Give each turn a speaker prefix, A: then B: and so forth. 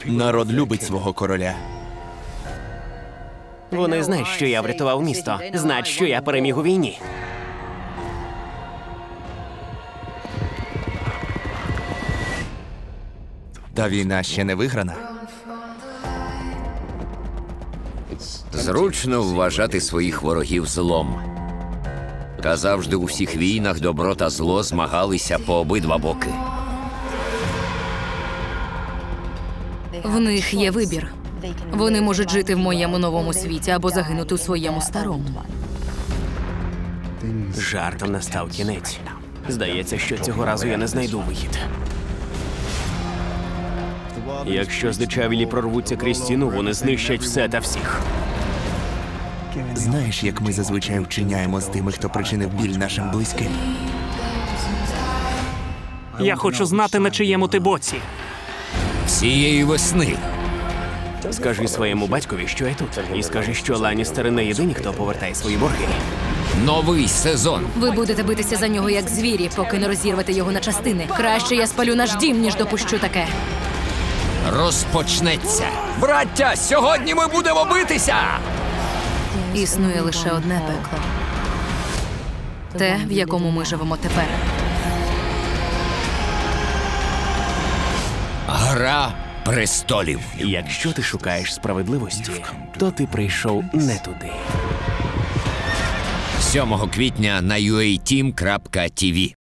A: Народ любить свого короля.
B: Вони знають, що я врятував місто. Знають, що я переміг у війні.
A: Та війна ще не виграна.
C: Зручно вважати своїх ворогів злом. Та завжди у всіх війнах добро та зло змагалися по обидва боки.
D: В них є вибір. Вони можуть жити в моєму новому світі або загинути у своєму старому.
B: Жартом настав кінець. Здається, що цього разу я не знайду вихід. Якщо здичавілі прорвуться крізь стіну, вони знищать все та всіх.
A: Знаєш, як ми зазвичай вчиняємо з тими, хто причинив біль нашим близьким?
E: Я хочу знати, на чиєму ти боці.
C: Цієї весни
B: Скажи своєму батькові, що я тут. І скажи, що Ланністери не єдині, хто повертає свої борги.
C: новий сезон.
D: Ви будете битися за нього як звірі, поки не розірвете його на частини. Краще я спалю наш дім, ніж допущу таке.
C: Розпочнеться. Браття, сьогодні ми будемо битися!
D: Існує лише одне пекло. Те, в якому ми живемо тепер.
C: Гра престолів.
B: Якщо ти шукаєш справедливості, то ти прийшов не туди.
C: 7 квітня на uateam.tv.